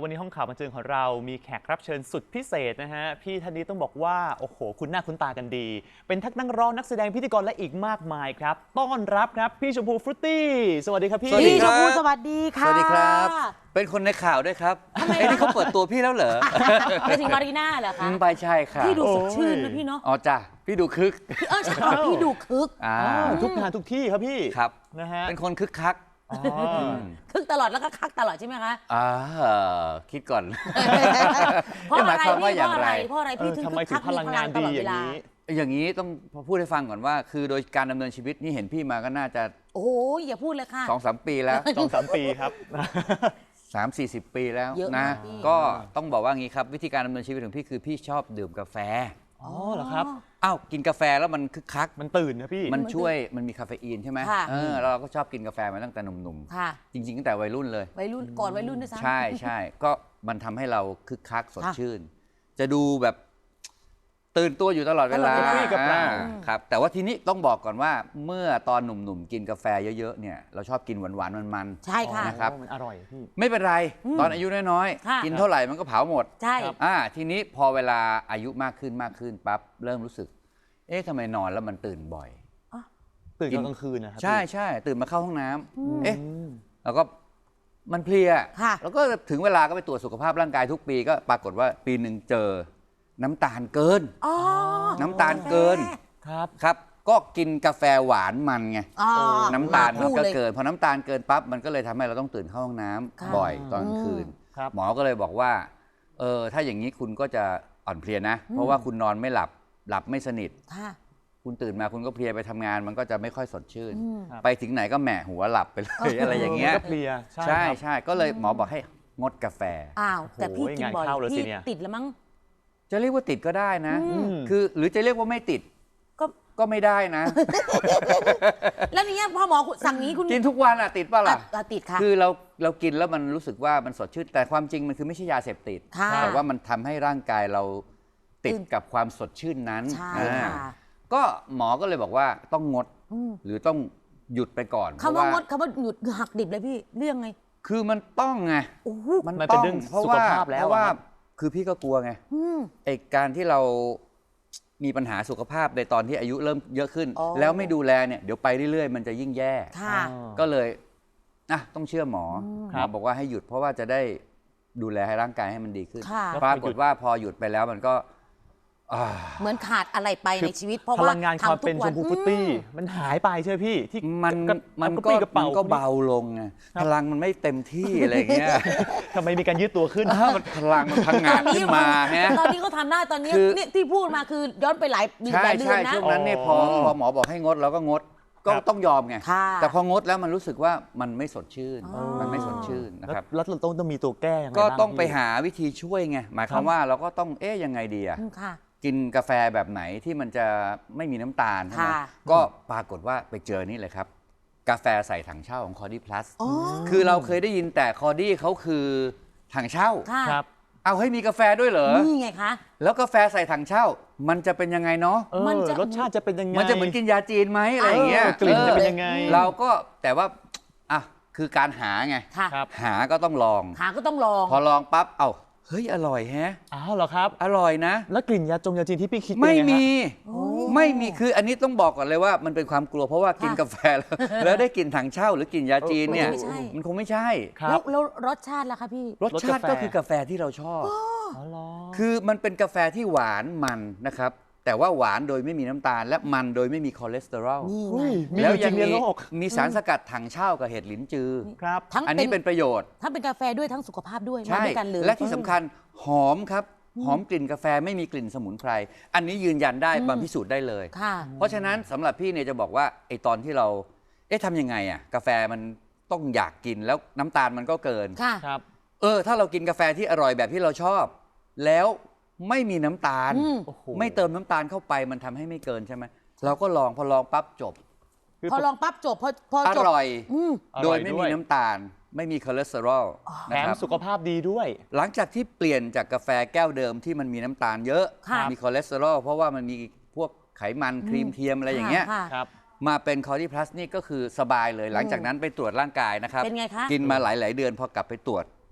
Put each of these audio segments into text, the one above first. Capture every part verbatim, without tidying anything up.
วันนี้ห้องข่าวบันเทิงของเรามีแขกรับเชิญสุดพิเศษนะฮะพี่ท่านนี้ต้องบอกว่าโอ้โหคุณหน้าคุณตากันดีเป็นทั้งนักร้องนักแสดงพิธีกรและอีกมากมายครับต้อนรับครับพี่ชมพูฟรุตตี้สวัสดีครับพี่พี่ชมพูสวัสดีค่ะสวัสดีครับเป็นคนในข่าวด้วยครับไอ้นี่เขาเปิดตัวพี่แล้วเหรอไปถึงมารีน่าเหรอคะไปใช่ค่ะพี่ดูสดชื่นนะพี่เนาะอ๋อจ้ะพี่ดูคึกเออใช่พี่ดูคึกทุกงานทุกที่ครับพี่ครับนะฮะเป็นคนคึกคักคึกตลอดแล้วก็คักตลอดใช่ไหมคะอ่าคิดก่อนเพราะอะไรพี่เพราะอะไรเพราะอะไรพี่ถึงคึกคักพลังงานดีอย่างนี้อย่างนี้ต้องพูดให้ฟังก่อนว่าคือโดยการดำเนินชีวิตนี่เห็นพี่มาก็น่าจะโอ้ยอย่าพูดเลยค่ะสองสามปีแล้วสองสามปีครับสามสี่สิบปีแล้วนะก็ต้องบอกว่างี้ครับวิธีการดำเนินชีวิตของพี่คือพี่ชอบดื่มกาแฟอ๋อเหรอครับอ้าวกินกาแฟแล้วมันคึกคักมันตื่นนะพี่มันช่วยมันมีคาเฟอีนใช่ไหมเออเราก็ชอบกินกาแฟมาตั้งแต่หนุ่มๆจริงๆตั้งแต่วัยรุ่นเลยวัยรุ่นก่อนวัยรุ่นด้วยซ้ำใช่ใช่ก็มันทำให้เราคึกคักสดชื่นจะดูแบบตื่นตัวอยู่ตลอดเวลาครับแต่ว่าทีนี้ต้องบอกก่อนว่าเมื่อตอนหนุ่มๆกินกาแฟเยอะๆเนี่ยเราชอบกินหวานๆมันๆใช่ค่ะนะครับมันอร่อยพี่ไม่เป็นไรตอนอายุน้อยๆกินเท่าไหร่มันก็เผาหมดใช่อ่าทีนี้พอเวลาอายุมากขึ้นมากขึ้นปั๊บเริ่มรู้สึกเอ๊ะทำไมนอนแล้วมันตื่นบ่อยตื่นกลางคืนนะครับใช่ใช่ตื่นมาเข้าห้องน้ำเอ๊ะแล้วก็มันเพลียแล้วก็ถึงเวลาก็ไปตรวจสุขภาพร่างกายทุกปีก็ปรากฏว่าปีหนึ่งเจอน้ำตาลเกินน้ำตาลเกินครับครับก็กินกาแฟหวานมันไงน้ำตาลมันก็เกินพอน้ำตาลเกินปั๊บมันก็เลยทำให้เราต้องตื่นเข้าห้องน้ำบ่อยตอนกลางคืนหมอก็เลยบอกว่าเออถ้าอย่างนี้คุณก็จะอ่อนเพลียนะเพราะว่าคุณนอนไม่หลับหลับไม่สนิทคุณตื่นมาคุณก็เพลียไปทำงานมันก็จะไม่ค่อยสดชื่นไปถึงไหนก็แหมะหัวหลับไปเลยอะไรอย่างเงี้ยเพลียใช่ใช่ก็เลยหมอบอกให้งดกาแฟอ้าวแต่พี่กินบ่อยพี่ติดแล้วมั้งจะเรียกว่าติดก็ได้นะคือหรือจะเรียกว่าไม่ติดก็ก็ไม่ได้นะแล้วนี่พอหมอสั่งนี้คุณกินทุกวันอ่ะติดป่ะล่ะติดค่ะคือเราเรากินแล้วมันรู้สึกว่ามันสดชื่นแต่ความจริงมันคือไม่ใช่ยาเสพติดแต่ว่ามันทำให้ร่างกายเราติดกับความสดชื่นนั้นก็หมอก็เลยบอกว่าต้องงดหรือต้องหยุดไปก่อนคำว่างดคำว่าหยุดหักดิบเลยพี่เรื่องไงคือมันต้องไงมันเป็นเรื่องสุขภาพแล้วว่าคือพี่ก็กลัวไงไอ้การที่เรามีปัญหาสุขภาพในตอนที่อายุเริ่มเยอะขึ้นแล้วไม่ดูแลเนี่ยเดี๋ยวไปเรื่อยๆมันจะยิ่งแย่ก็เลยอ่ะต้องเชื่อหมอหมอบอกว่าให้หยุดเพราะว่าจะได้ดูแลให้ร่างกายให้มันดีขึ้นปรากฏว่าพอหยุดไปแล้วมันก็เหมือนขาดอะไรไปในชีวิตเพราะว่าพลังงานความเป็นชมพูฟุตตี้มันหายไปใช่ไหมพี่ที่มันมันก็มันก็เบาลงไงพลังมันไม่เต็มที่อะไรเงี้ยทำไมมีการยืดตัวขึ้นพลังมันพังงาดขึ้นมาฮะตอนนี้เขาทำได้ตอนนี้นี่ที่พูดมาคือย้อนไปหลายเดือนนะใช่ใช่ช่วงนั้นเนี่ยพอพอหมอบอกให้งดเราก็งดก็ต้องยอมไงแต่พองดแล้วมันรู้สึกว่ามันไม่สดชื่นมันไม่สดชื่นนะครับแล้วเราต้องต้องมีตัวแก้ยังไงก็ต้องไปหาวิธีช่วยไงหมายความว่าเราก็ต้องเอ๊ยยังไงดีอะกินกาแฟแบบไหนที่มันจะไม่มีน้ำตาลใช่ไหมก็ปรากฏว่าไปเจอนี่เลยครับกาแฟใส่ถังเช่าของคอร์ดี้พลัสคือเราเคยได้ยินแต่คอร์ดี้เขาคือถังเช่าครับเอาให้มีกาแฟด้วยเหรอนี่ไงคะแล้วกาแฟใส่ถังเช่ามันจะเป็นยังไงเนาะมันจะรสชาติจะเป็นยังไงมันจะเหมือนกินยาจีนไหมอะไรอย่างเงี้ยกลิ่นจะเป็นยังไงเราก็แต่ว่าอ่ะคือการหาไงหาก็ต้องลองหาก็ต้องลองพอลองปั๊บเอ้าเฮ้ยอร่อยแฮะอ้าวเหรอครับอร่อยนะแล้วกลิ่นยาจงยาจีนที่พี่คิดไม่มีไม่มีคืออันนี้ต้องบอกก่อนเลยว่ามันเป็นความกลัวเพราะว่ากินกาแฟแล้วได้กลิ่นถังเช่าหรือกลิ่นยาจีนเนี่ยมันคงไม่ใช่แล้วแล้วรสชาติล่ะคะพี่รสชาติก็คือกาแฟที่เราชอบคือมันเป็นกาแฟที่หวานมันนะครับแต่ว่าหวานโดยไม่มีน้ำตาลและมันโดยไม่มีคอเลสเตอรอลแล้วยังมีมีสารสกัดถังเช่ากับเห็ดหลินจือครับอันนี้เป็นประโยชน์ทั้งเป็นกาแฟด้วยทั้งสุขภาพด้วยใช่และที่สำคัญหอมครับหอมกลิ่นกาแฟไม่มีกลิ่นสมุนไพรอันนี้ยืนยันได้มาพิสูจน์ได้เลยเพราะฉะนั้นสำหรับพี่เนี่ยจะบอกว่าไอตอนที่เราเอ๊ะทำยังไงอ่ะกาแฟมันต้องอยากกินแล้วน้ำตาลมันก็เกินครับเออถ้าเรากินกาแฟที่อร่อยแบบที่เราชอบแล้วไม่มีน้ำตาลไม่เติมน้ำตาลเข้าไปมันทำให้ไม่เกินใช่ไหมเราก็ลองพอลองปั๊บจบพอลองปั๊บจบพอพอจบอร่อยโดยไม่มีน้ำตาลไม่มีคอเลสเตอรอลแถมสุขภาพดีด้วยหลังจากที่เปลี่ยนจากกาแฟแก้วเดิมที่มันมีน้ำตาลเยอะมีคอเลสเตอรอลเพราะว่ามันมีพวกไขมันครีมเทียมอะไรอย่างเงี้ยมาเป็นคอร์ดี้พลัสนี่ก็คือสบายเลยหลังจากนั้นไปตรวจร่างกายนะครับเป็นไงคะกินมาหลายๆเดือนพอกลับไปตรวจ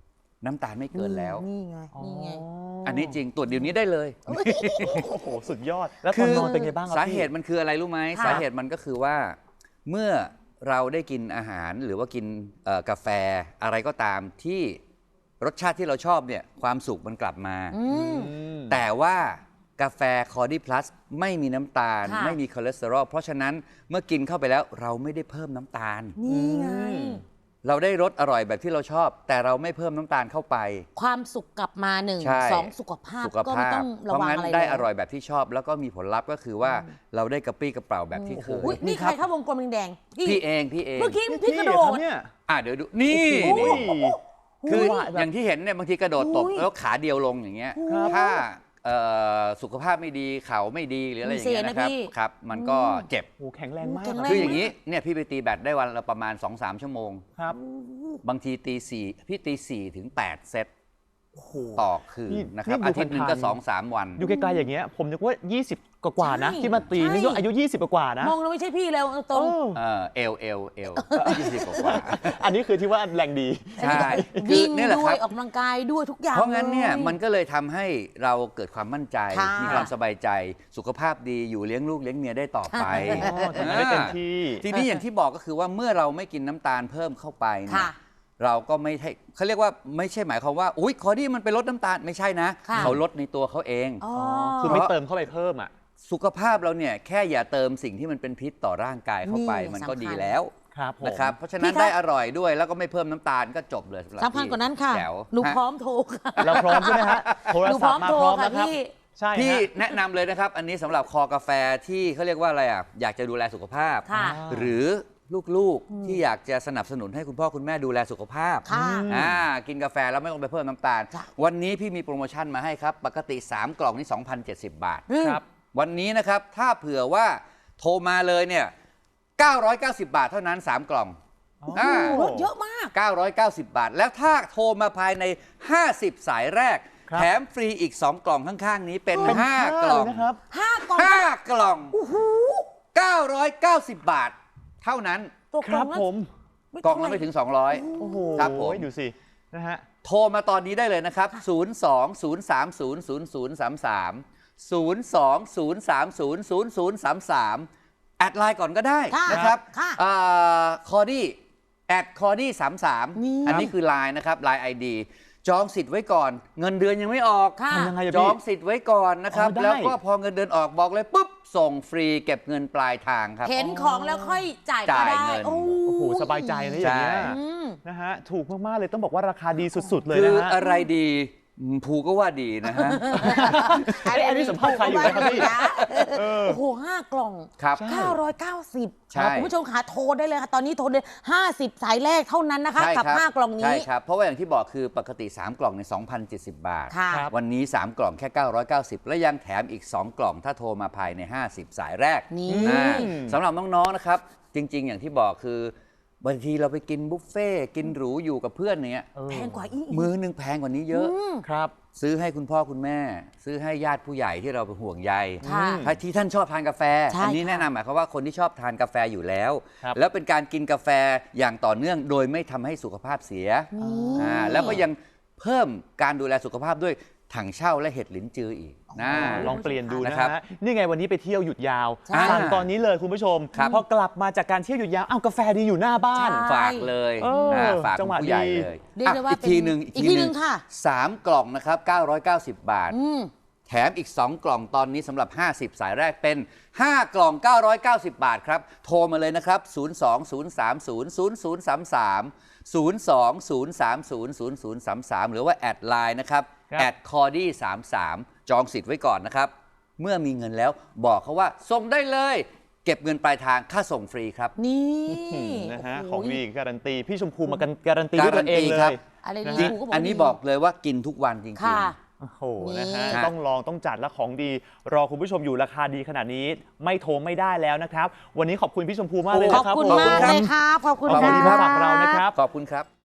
น้ำตาลไม่เกินแล้วนี่ไงนี่ไงอันนี้จริงตรวจเดี๋ยวนี้ได้เลยโอ้โหสุดยอดแล้วตอนนอนเป็นไงบ้างครับสาพี่เหตุมันคืออะไรรู้ไหมค่ะสาเหตุมันก็คือว่าเมื่อเราได้กินอาหารหรือว่ากินเอ่อกาแฟอะไรก็ตามที่รสชาติที่เราชอบเนี่ยความสุขมันกลับมาอืมอืมแต่ว่ากาแฟคอร์ดี้พลัสไม่มีน้ำตาลค่ะไม่มีคอเลสเตอรอลเพราะฉะนั้นเมื่อกินเข้าไปแล้วเราไม่ได้เพิ่มน้ำตาลนี่ไงเราได้รสอร่อยแบบที่เราชอบ แต่เราไม่เพิ่มน้ำตาลเข้าไปความสุขกลับมาหนึ่งใช่สองสุขภาพสุขก็ไม่ภาต้พองเพระราะวังงั้นอะไรได้เลยอร่อยแบบที่ชอบ แล้วก็มีผลลัพธ์ก็คือว่าเราได้กระปรี้กระเป๋าแบบที่เคยอุ๊ยนี่นี่ใคครัรบเข้าวงกลมแดงๆพี่พี่เองพี่เองเมื่อกี้พี่กระโดคดบเนี่ยอ่ะเดี๋ยวดูนี่โอ้โหนี่คือว่าแบบอย่างที่เห็นเนี่ยบางทีกระโดดตบอุ๊ยแล้วขาเดียวลงอย่างเงี้ยครับถ้าเอ่อสุขภาพไม่ดีเข่าไม่ดีหรืออะไรอย่างเงี้ยมีเซนะนะครับพี่ครับ มันก็เจ็บโอ้โหแข็งแรงมากแข็งแรงคืออย่างนี้เนี่ยพี่ไปตีแบดได้วันละประมาณ สองสาม ชั่วโมงครับบางทีตีสี่พี่ตีสี่ถึงแปดเซตโอ้โหต่อคืนี่นนะครับนี่ดูอาทิตย์หนึ่งก็ผ่านๆสองสามวันอยู่ไกลๆอย่างเงี้ยผมนึกว่า ยี่สิบ กว่าๆนะใช่ที่มาตีใช่นึกว่าอายุ ยี่สิบ กว่าๆนะมองแล้วไม่ใช่พี่แล้วตรงเออเออเอลเอลเอลยี่สิบกว่าอันนี้คือที่ว่าแรงดีๆใช่คือวิ่งเนี่ยแหละด้คว รัยบออกกำลังกายด้วยทุกอย่างเพราะงั้นเนี่ยลมันก็เลยทำให้เราเกิดความมั่นใจค่ะมีความสบายใจสุขภาพดีอยู่เลี้ยงลูกเลี้ยงเมียได้ต่อไปอ๋อทำงานได้เต็มที่ทีนี้อย่างที่บอกก็คือว่าเมื่อเราไม่กินน้ำตาลเพิ่มเข้าไปเนี่ยค่ะเราก็ไม่ให้เขาเรียกว่าไม่ใช่หมายความว่าอุ้ยคอดี้มันไปลดน้ำตาลไม่ใช่นะค่ะเขาลดในตัวเขาเองอ๋อคือไม่เติมเข้าไปเพิ่มอ่ะสุขภาพเราเนี่ยแค่อย่าเติมสิ่งที่มันเป็นพิษต่อร่างกายเข้าไปนี่มันก็สำคัญดีแล้วครับผมนะครับเพราะฉะนั้นพี่คะได้อร่อยด้วยแล้วก็ไม่เพิ่มน้ำตาลก็จบเลยสำหรับสำคัญพี่กว่านั้นค่ะแจ๋วหนูฮะพร้อมโทรค่ะเราพร้อมใช่ไหมฮะโทรหนูพศัร้พอมท์มาโทรพร้อมค่ะแล้วครับพี่ใช่พี่ฮะแนะนำเลยนะครับ อันนี้สำหรับคอกาแฟที่เขาเรียกว่าอะไรอ่ะอยากจะดูแลสุขภาพค่ะหรือลูกๆที่อยากจะสนับสนุนให้คุณพ่อคุณแม่ดูแลสุขภาพค่ะอ่ากินกาแฟแล้วไม่ต้องไปเพิ่มน้ำตาลจ้ะวันนี้พี่มีโปรโมชั่นมาให้ครับ ปกติ สาม กล่องนี่ สองพันเจ็ดสิบ บาทอืมครับวันนี้นะครับ ถ้าเผื่อว่าโทรมาเลยเนี่ยเก้าร้อยเก้าสิบ บาทเท่านั้น สาม กล่องอ๋ออ่าลดเยอะมากเก้าร้อยเก้าสิบ บาท แล้วถ้าโทรมาภายใน ห้าสิบ สายแรกครับแถมฟรีอีก สอง กล่องข้างๆนี้เป็นเป็นห้าห้ากล่องนะครับห้ากล่องห้ากล่องเก้าร้อยเก้าสิบ บาท เท่านั้นตัวคกล่รัอบ งละผมกล่องละไม่ถึง สองร้อยโอ้โหครับผมดูสินะฮะโทรมาตอนนี้ได้เลยนะครับ ศูนย์ สอง ศูนย์ สาม ศูนย์ ศูนย์ ศูนย์ สาม สาม ศูนย์ สอง ศูนย์ สาม ศูนย์ ศูนย์ ศูนย์ สาม สาม แอดไลน์ก่อนก็ได้ค่ะนะครับค่ะคอดี้แอดคอดี้สามสามนี่อันนี้คือไลน์นะครับไลน์ไอดีจองสิทธิ์ไว้ก่อน เงินเดือนยังไม่ออกค่ะทำยังไงอะจพี่องสิทธิ์ไว้ก่อนนะครับอ๋อได้แล้วก็พอเงินเดือนออกบอกเลยปุ๊บ ส่งฟรีเก็บเงินปลายทางครับเห็นของแล้วค่อยจ่ายก็จ่ายได้เงินโอ้โอ้โหสบายใจนะอย่างเงี้ยใช่อืมนะฮะถูกมากๆเลยต้องบอกว่าราคาดีสุดๆเลยคืนะอฮะอะไรดีอืมภูก็ว่าดีนะฮะเอ้ยอันนี้สัมภาษณ์ใครอยู่นะครับพี่โอ้โหห้ากล่องครับเก้าร้อยเก้าสิบใช่คุณผู้ชมขาโทรได้เลยค่ะ ตอนนี้โทรได้ห้าสิบสายแรกเท่านั้นนะคะใช่กับครับห้ากล่องใช่นี้ครับ เพราะว่าอย่างที่บอกคือปกติ สาม กล่องใน สองพันเจ็ดสิบ บาทค่ะครับวันนี้ สาม กล่องแค่ เก้าร้อยเก้าสิบ และยังแถมอีก สอง กล่องถ้าโทรมาภายใน ห้าสิบ สายแรกนี่อ่าสำหรับน้องๆนะครับ จริงๆ อย่างที่บอกคือบางทีเราไปกินบุฟเฟ่ต์กินหรูอยู่กับเพื่อนเนี้ยเออแพงกว่าอีกมือหนึงแพงกว่านี้เยอะครับซื้อให้คุณพ่อคุณแม่ ซื้อให้ญาติผู้ใหญ่ที่เราเป็นห่วงใยค่ะถ้าที่ท่านชอบทานกาแฟใช่อันี้ค่ะแนะนำหมายความว่าคนที่ชอบทานกาแฟอยู่แล้วครับแล้วเป็นการกินกาแฟอย่างต่อเนื่องโดยไม่ทำให้สุขภาพเสียนี่อ่าแล้วก็ยังเพิ่มการดูแลสุขภาพด้วยถังเช่าและเห็ดลิ้นจืออีกนะลองเปลี่ยนดูนะนะครับฮะนี่ไงวันนี้ไปเที่ยวหยุดยาวใช่สั่งตอนนี้เลยคุณผู้ชมครับพอกลับมาจากการเที่ยวหยุดยาวอ้าวกาแฟดีอยู่หน้าบ้านใช่ฝากเลยเออนะฝากจังหวะผู้ใหญ่ดีเลยเรียกได้ว่าอ่ะอีกทีหนึ่งเป็นอีกทีหนึ่งค่ะสามกล่องนะครับเก้าร้อยเก้าสิบ บาทอืมแถมอีก สอง กล่องตอนนี้สำหรับ ห้าสิบ สายแรกเป็น ห้า กล่อง เก้าร้อยเก้าสิบ บาทครับ โทรมาเลยนะครับ ศูนย์ สอง ศูนย์ สาม ศูนย์ ศูนย์ ศูนย์ สาม สาม ศูนย์ สอง ศูนย์ สาม ศูนย์ ศูนย์ ศูนย์ สาม สาม หรือว่าแอดไลน์นะครับครับแอดคอร์ดี้สามสามจองสิทธิ์ไว้ก่อนนะครับ เมื่อมีเงินแล้วบอกเขาว่าส่งได้เลย เก็บเงินปลายทางค่าส่งฟรีครับนี่อืมนะฮะโโหของดีการันตีพี่ชมพูมากันการันตีด้วยตัวเองเลการันตีครัยบอะไรนะดีฮะถูกก็บอกอันนี้ดีบอกเลยว่ากินทุกวันจริงค่ะๆโอ้โหนะฮะนี่ต้องลองต้องจัดและของดี รอคุณผู้ชมอยู่ราคาดีขนาดนี้ไม่โทรไม่ได้แล้วนะครับ วันนี้ขอบคุณพี่ชมพูมากเลยขอบนะครับคุณผมมากครับเลยครับ ขอบคุณขอบคคุณรัที่มาฝากเรานะครับขอบคุณครับ